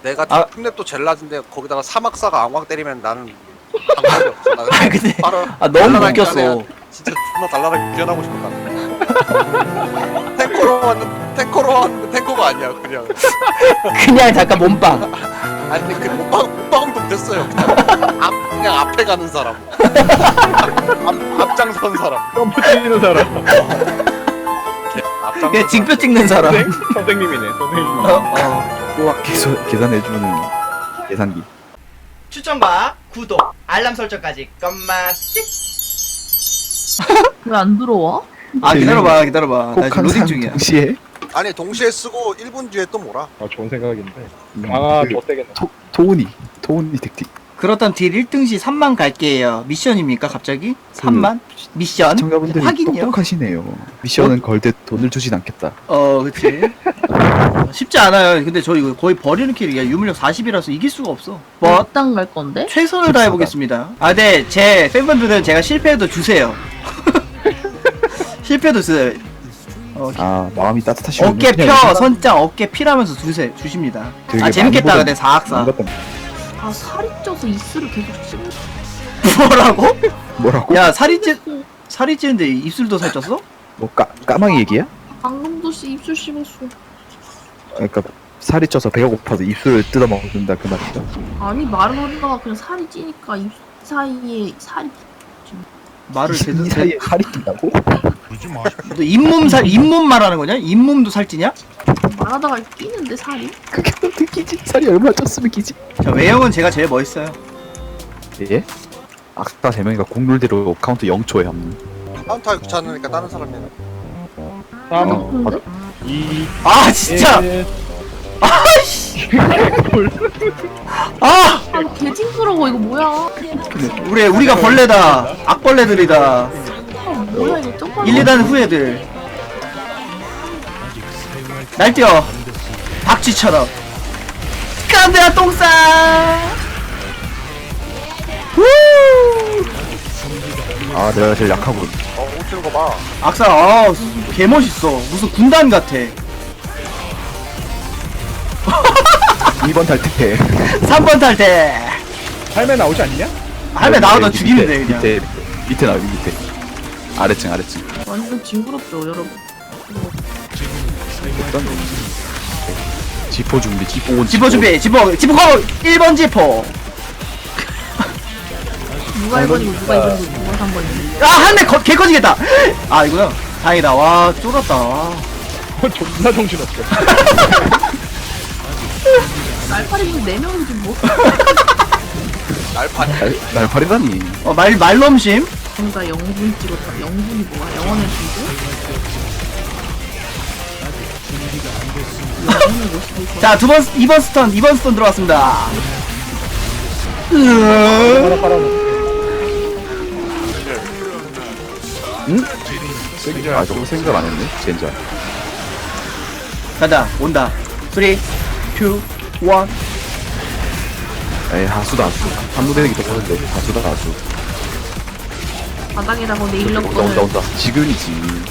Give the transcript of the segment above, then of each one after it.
내가 아. 흉랩도 제일 낮은데 거기다가 사막사가 앙왕 때리면 나는 방법이 없어. 나는 아 근데 바로 너무 날아다니기 웃겼어. 전에 진짜 존나 날라다니고 뛰어나고 싶었다. 탱커로 왔는데 탱커가 아니야 그냥. 그냥 잠깐 몸빵. 아니 근데 그 못방도 됐어요. 그냥 앞에 가는 사람. 앞장선 사람. 점프 뛰는 사람. 앞장선 그냥 징표 찍는 사람. 선생님이네, 선생님. 어. 계산해주는 계산기. 추천과 구독, 알람 설정까지 껌맛지? 왜 안 들어와? 아 기다려봐 나 꼭 지금 로딩 항상 중이야. 동시에 아니 동시에 쓰고 1분 뒤에 또 뭐라? 아, 좋은 생각인데. 강화 더 세겠네. 토우니 택틱. 그렇다면 딜 1등 시 3만 갈게요. 미션입니까 갑자기? 3만? 미션? 시청자분들이 확인요? 똑똑하시네요. 미션은 걸때 돈을 주진 않겠다. 그치. 쉽지 않아요. 근데 저 이거 거의 버리는 킬이야. 유물력 40이라서 이길 수가 없어. 뭐 어떤 갈 건데? 최선을 다해보겠습니다. 아, 네, 제 팬분들은 제가 실패해도 주세요. 실패도 주세요. 아 마음이 따뜻하시군요. 어깨 펴, 선장, 어깨 피라면서 주십니다. 되게 아, 재밌겠다. 많이 근데 사악사. 아 살이 쪄서 입술을 계속 씹는 뭐라고? 뭐라고? 야, 살이 찌는데 입술도 살쪘어? 뭐 까마귀 얘기야? 방금도 씨 입술 씹었어. 그러니까 살이 쪄서 배가 고파서 입술을 뜯어 먹는다 그 말이죠. 아니 말은 하다가 그냥 살이 찌니까 입 사이에 살이 말을 제대로 이 사이에 살이 낀다고? 너 잇몸 말하는 거냐? 잇몸도 살찌냐? 말하다가 끼는데 살이? 그게 어떻게 끼지? 살이 얼마나 쪘으면 끼지? 자, 외형은 제가 제일 멋있어요. 예? 악사 3명이가 공룰대로 카운트 0초에 합류. 카운터 귀찮으니까 다른 사람이 해. 3, 맞아. 2, 아, 진짜! 1. 아! 아 개징그러워 이거 뭐야? 우리가 벌레다. 악벌레들이다. 아 뭐야 이거 쪽팔려. 1, 2단 후예들. 날뛰어. 박쥐처럼. 깐데야 똥싸! 후! 아 내가 제일 약하군. 옷 치는 거 봐. 악사, 개멋있어. 무슨 군단 같아. 2번 탈퇴. 3번 탈 때. 삶에 나오지 않냐? 할매 나오다 죽이면 돼, 그냥. 밑에 나와 밑에. 아래층. 완전 징그럽죠 여러분. 지포 준비. 지퍼 준비, 지퍼 고! 1번 지퍼. 누가 1번이고 누가 2번이고 누가 3번이고. 아, 할매 개 커지겠다. 아, 이거야. 다행이다. 와, 쫄았다. 와. 존나 정신없어. 날파리는 4명이지 뭐. 날판. 날파리다니. 말넘심. 뭔가 영분 찍었다. 영분이 뭐야? 영원의 분도? 자, 2번 스턴 들어왔습니다. 하나 빨아놓고. 아 저거 생각 안 했네. 젠장. 간다, 온다. 3, 2, 1. 에이 하수다. 한무 대기 더 보는데 하수다 하수. 바닥에다가 네일러 온다. 지금이지.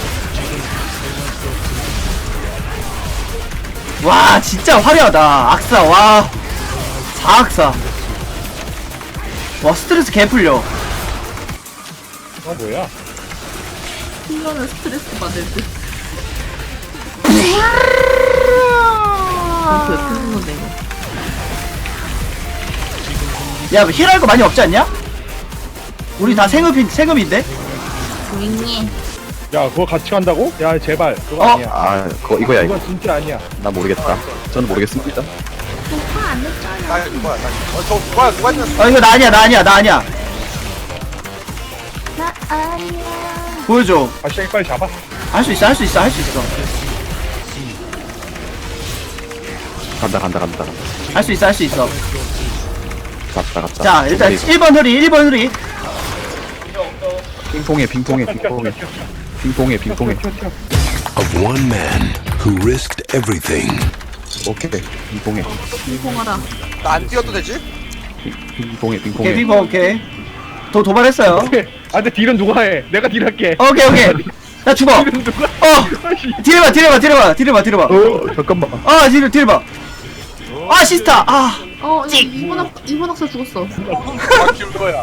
와, 진짜 화려하다. 악사, 와. 4악사. 와, 스트레스 개 풀려. 뭐야? 힐러는 스트레스 받을 듯. 그 옆에 건데 이거. 야, 힐할 거 많이 없지 않냐? 우리 다 생업인데? 조용히. 야, 그거 같이 간다고? 야, 제발. 그거 어? 아니야. 아 이거야 이거. 이건 진짜 아니야. 나 모르겠다. 저는 모르겠습니다. 오빠 안 했잖아. 나 누구야? 저 누가 했냐? 이거 나 아니야. 나 아니야. 보여줘. 아시장이 빨리 잡아. 할 수 있어. 간다. 할 수 있어. 갔다. 자, 일단 1번 흐리. 핑퐁해. Of one man who risked everything. 오케이. 핑퐁해. 핑퐁하라. 나 안 뛰어도 되지? 핑퐁해. 오케이, 피버, 오케이. 도발했어요. 아, 근데 딜은 누가 해? 내가 딜할게. 오케이. 나 죽어. 딜은 누가? 딜해봐. 잠깐만. 딜해봐. 아 시스타 아 이번 학사 죽었어. 아 키울 거야.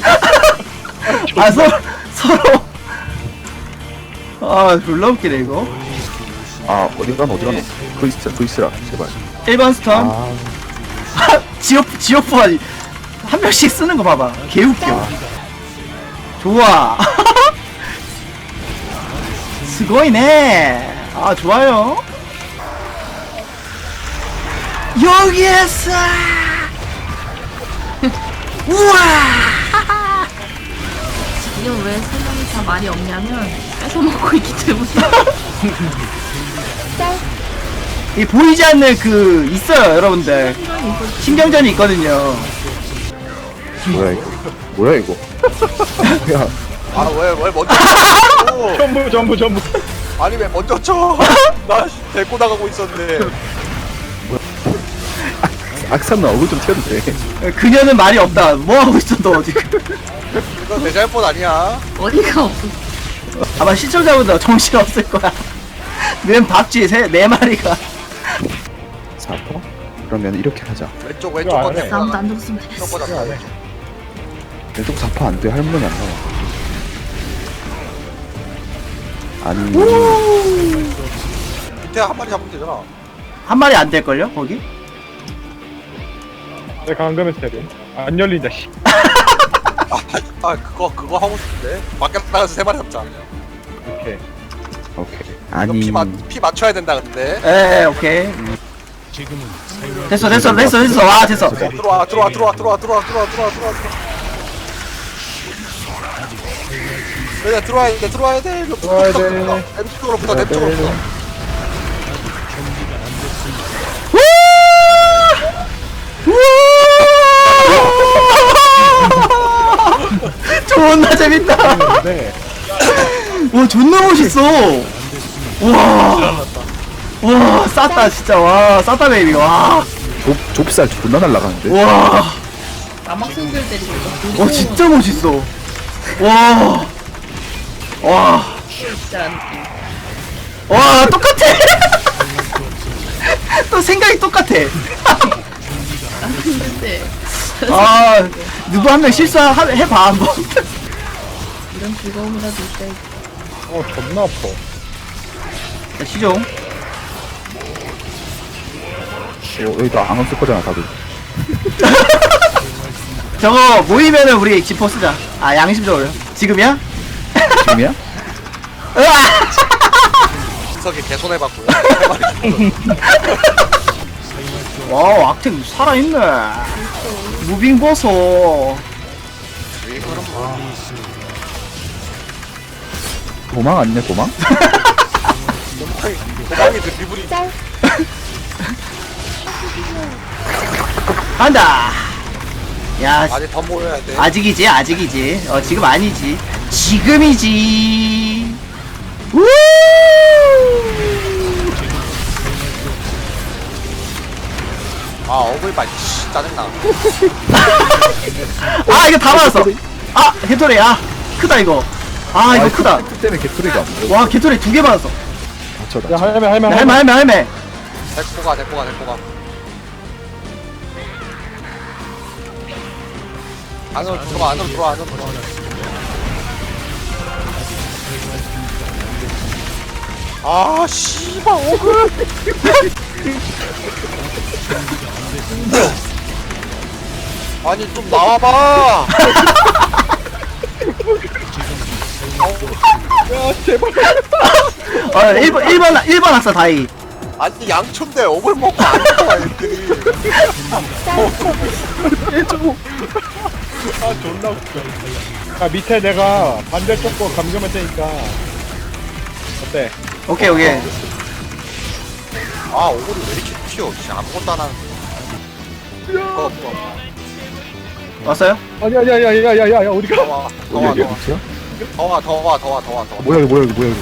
아 서로 아 졸라 웃기네 이거. 아 어디 가노 그 있으라 제발. 1번 스톰 아 지오프가 한 명씩 쓰는 거 봐봐 개웃겨. 좋아 스고이네. 아 좋아요. 여기에서 우와 지금 왜 세 명이 다 말이 없냐면 뺏어 먹고 있기 때문에. 이 보이지 않는 그 있어요 여러분들. 시간이 있어. 신경전이 있거든요. 뭐야 이거 뭐야. 아왜 먼저 쳐? 전부 아니 왜 먼저 쳐? 나 데리고 나가고 있었는데. 악산 얼굴 좀 튀어도 돼. 그녀는 말이 없다. 뭐 하고 있어 너 지금? 이거 내 잘못 아니야. 어디가 없어. 아마 시청자분들 정신 없을 거야. 맨 밥쥐 네 마리가. 4퍼? 그러면 이렇게 하자. 왼쪽 이거 왼쪽 안 거 해. 왼쪽 아무도 안 죽었으면 거 됐어. 잡자. 왼쪽 4퍼 안돼. 할머니 안 나와. 아니 밑에 한 마리 잡으면 되잖아. 한 마리 안 될걸요 거기? 내 강금의 스텝이 안 열린다 씨. 그거 하고 싶은데. 밖에 나가서 3마리 잡자. 이렇게 오케이. 이거 아니 피 맞춰야 된다 근데. 에 오케이. 됐어. 와 됐어. 들어와. 그래 들어와야 돼. 왼쪽으로부터. 존나 재밌다. 네. 와 존나 멋있어. 와 쌌다 진짜. 와 쌌다 베이비. 와 좁쌀 존나 날라가는데. 와. 남학생들 때리고 있어. 와 진짜 멋있어. 와. 와. 진짜 느낌. 와 똑같아. 또 생각이 똑같아. 근데 아 누구 한 명 실수해봐 한번. 이런 즐거움이라도 있어야지. 존나 아파. 자, 시종. 여기 다 안 없을 거잖아 다들. 저거 모이면은 우리 지퍼 쓰자. 아 양심적으로. 지금이야? 지금이야? 으아! 진석이 개손해봤고요. 와 악탱 살아있네. 무빙 보소. 도망 아니냐 도망? 도망이 드리블이. 간다. 야 아직 더 모여야 돼. 아직이지. 지금 아니지. 지금이지. 우! 아 어글발 씨 짜증나. 아 이거 다 맞았어. 아 개토리. 아 크다 이거. 아 이거 크다. 그 때문에 개소리가 안 돼. 와 개토리 2개 맞았어. 다쳐. 야 할매 할매. 데리고 가. 안으로 들어와. 아 씨발 어글. 아니 좀 나와봐. 야 제발. 1번 학사 다이. 아니 양초인데 어글 먹고 안 나와 애들이. 아 존나 웃겨. 야 밑에 내가 반대쪽 거 감금할 테니까 어때? 오케이. 아 어글이 왜 이렇게 튀어? 씨, 아무것도 안 하는. 왔어요? 아니야 어디가? 더와. 여기 밑이야? 더와. 뭐야 이거 뭐야 이거.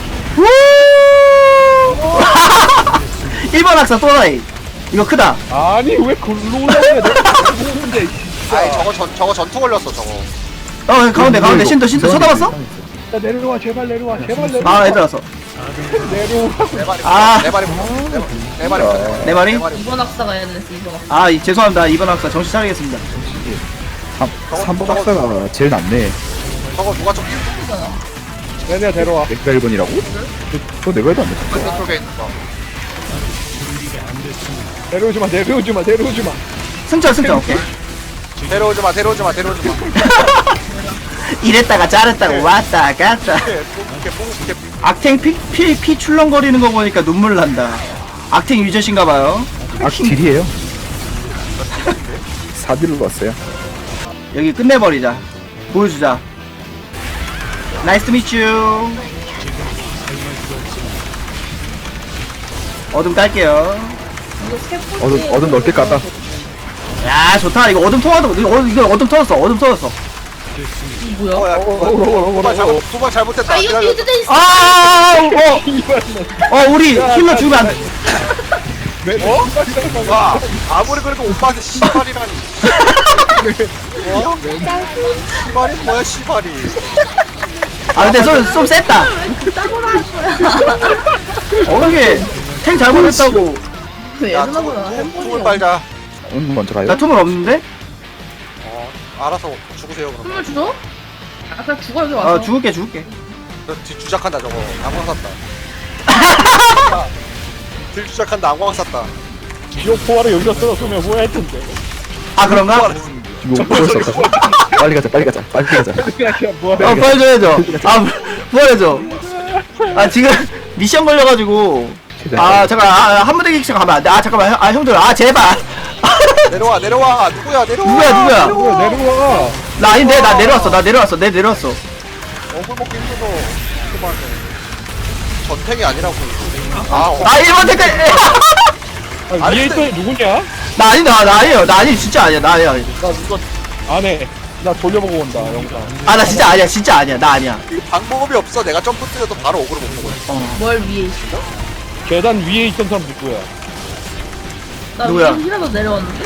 1번 학사 또 다이. 이거 크다. 아니 왜 글로 올라오냐 내가 모르는데. 아니 저거 전투 걸렸어 저거. 가운데 신도 쳐다봤어? 야 내려와 제발 내려와. 아 애들 왔어. 내려오라고. 내 말이 아. 내 말이 내 말이 내 말이? 이번 학사가 해야 되겠어 이번 학사. 아 죄송합니다. 이번 학사 정신 차리겠습니다. 3번 학사가 제일 낫네. 저거 누가 좀 내가 데려와. 내가 1번이라고? 저 내가 해도 안 돼. 왼쪽에 있는 거. 내려오지 마. 내려오지 마. 내려오지 마. 승천 오케이. 데려오지 마. 데려오지 마. 이랬다가 자랬다가 왔다 갔다. 이렇게 악탱 피 출렁거리는 거 보니까 눈물 난다. 악탱 유저신가봐요. 아, 딜이에요. 4딜로 왔어요. 여기 끝내버리자. 보여주자. 나이스 투 미츄. 어둠 깔게요. 이거 세 번째. 어둠 넓게 깠다. 야 좋다. 이거 어둠 통하도 이거 어둠 터졌어. 어둠 터졌어. 뭐야? 어야 두번 잘못했다. 아 이거 기다려. 빌드 돼 있어. 우리 힐러 죽으면 안 돼. 와 아무리 그래도 오빠한테 시발이라니. 시발이 뭐야 시발이. 아 근데 좀 셌다. 따고라 할 거야. 이게 탱 잘못했다고. 왜 야 예전하고나 tum을 빨자. 먼저 가요. 나 tum을 없는데? 알아서 죽으세요 그럼. 선물 줘? 아 그냥 죽어 여기 와서. 죽을게. 뒤 주작한다 저거. 안광 샀다. 뒤 주작한다. 안광 샀다. 지옥 포화를 여기다 쏟았으면 후회할 텐데. 아 그런가? 이거 벌써 없다고? 빨리 가자. 그냥 뭐하래. 보여줘야죠. 보여줘. 아 지금 미션 걸려가지고. 아 잠깐 한 무대 객실 가면 안 돼. 아 잠깐만 형들 제발. 내려와. 누구야 누구야? 내려와. 나 아닌데 나 내려왔어. 내려왔어. 억울 먹기 힘들어. 그만해. 전탱이 아니라고. 나 1번 택배. 아, 위에 있던 애 누구냐? 나 아니다. 나 아니에요. 나 아니 진짜 아니야. 나 아니야. 나 이거 안 해. 나 돌려보고 온다 영상. 아 나 진짜 아니야. 진짜 아니야. 나 아니야. 방법이 없어. 내가 점프 뛰어도 바로 억울을 못 먹어. 뭘 위에 있어? 계단 위에 있던 사람 누구야? 나 누구야? 위에 힐러도 내려왔는데?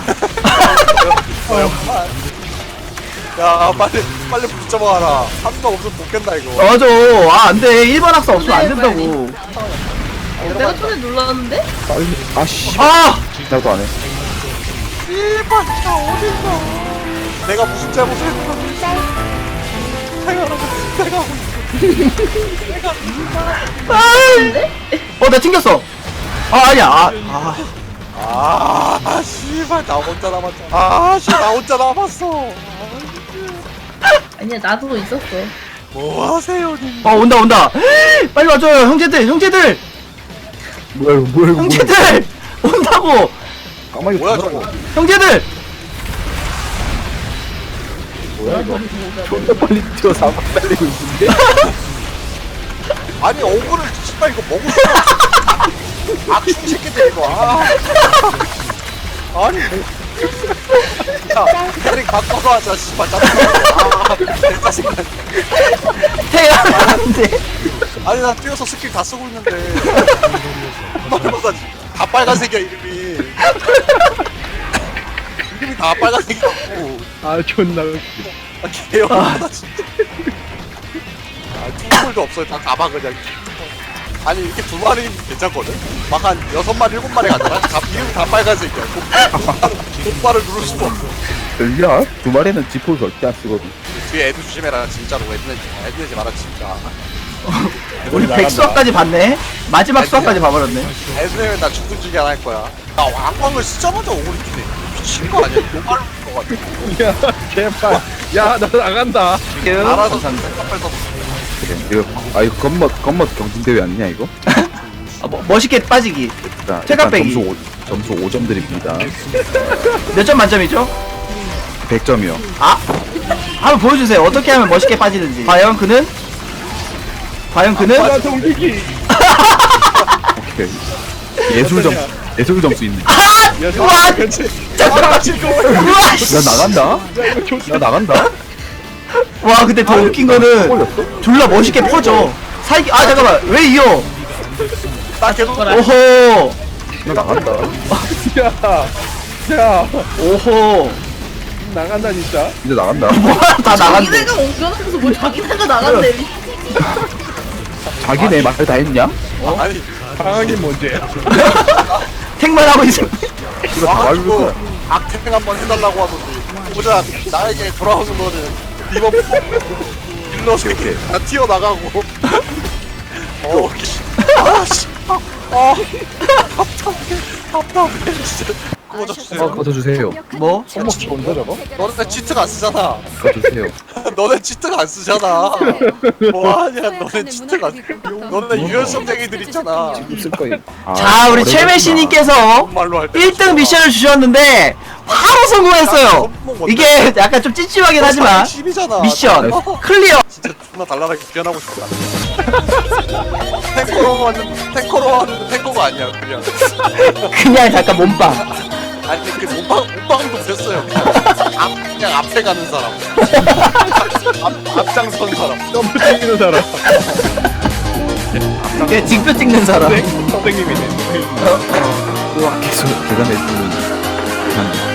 야 빨리 붙잡아라. 한 명 없으면 못 깬다 이거. 맞아. 안돼. 1번 학사 없으면 안 된다고. 내가 손에 눌렀는데? 빨리. 아씨. 나도 안 해. 씨발 나 어딨어. 내가 무슨 잘못을 했어. 나 튕겼어. 아니야. 씨발 나 혼자 남았잖아. 나 혼자 남았어. 아니야 나도 있었어. 뭐 하세요 님. 온다. 빨리 와줘요. 형제들. 뭐야 이거. 형제들 온다고. 까마귀 뭐야 저거. 저거. 형제들. 뭐야 이거. 존나 빨리 뛰어 4번 달리고 있는데. 아니 억울을 씨발 이거 먹을 수 없어. 악충 새끼들 이거. 아니 야 캐릭 바꿔서 하자 씨발 짜증나. 내가 생각. 태양한테. 아니 나 뛰어서 스킬 다 쓰고 있는데 말보다 다 빨간색이야 이름이. 이름이 다 빨간색이라고. 아 존나. 개열하다 진짜. 투물도 없어요. 다 가봐 그냥. 아니 이렇게 두 마리는 괜찮거든? 막 한 6마리 7마리 가잖아? 이름 다 빨간색이야. 똑바로 누를 수가 없어. 야, 두 마리는 지포 절대 안 쓰거든. 뒤에 애들 조심해라 진짜로. 애들 내지 마라 진짜. 우리 백수학까지 봤네. 마지막 수학까지 봐버렸네. 애들 내면 나 죽든 죽이 안 할 거야. 나 왕광을 쓰자마자 오그리 끼네. 미친 거 아니야? 노말로 것 같아. 야 제발. 야 나 나간다. 알아서 감사합니다. 깜빡해서 그래. 이거 이거 겉멋 경진대회 아니냐 이거? 멋있게 빠지기. 자, 퇴각 일단 빼기. 점수 5점 드립니다. 몇 점 만점이죠? 100점이요. 한번 보여주세요. 어떻게 하면 멋있게 빠지는지. 과연 그는? 야 동기기. 오케이. 예술 점수 있네. 야 우와! 그렇지. 잠깐만. 우와! 나 나간다. 야 이거 좋다. 나 나간다. 와 근데 더 웃긴 거는 졸라 멋있게 퍼져. 잠깐만. 왜 이어? 나 계속 오호. 나 나간다. 야 오호. 나간다 진짜. 이제 나간다. 뭐야 다 나간대. 자기네가 옮겨놓고서 뭘 자기네가 나간대. 자기네 말 다 했냐? 아니 상황이 문제야. 택만 하고 있어. 이거 다 와가지고 말고 악행 한번 해달라고 하더니 보자 나에게 돌아오는 거는 이번 일러서 다 튀어나가고 아씨 답답해 진짜 꺼져주세요. 꺼져주세요. 뭐? 손목 좋은데 저거? 너네 치트가 안 쓰잖아. 꺼져주세요. 너네 치트가 안 쓰잖아. 뭐하냐 너네 치트가 너네 유연성쟁이들 있잖아. 쓸 거예요. 아, 자, 우리 최메시님께서 말로 할때 1등 미션을 주셨는데 바로 성공했어요. 이게 약간 좀 찝찝하긴 하지만 10이잖아. 미션 클리어. 진짜 존나 달달하게 변하고 싶다. 탱커로 하는 탱커가 아니야 그냥. 그냥 잠깐 몸빵. 아니 그 몸빵도 됐어요. 그냥 앞에 가는 사람. 앞장선 사람. 점프 찍는 사람. 그냥 징표 찍는 사람. 선생님이네. 계속 계산해 주는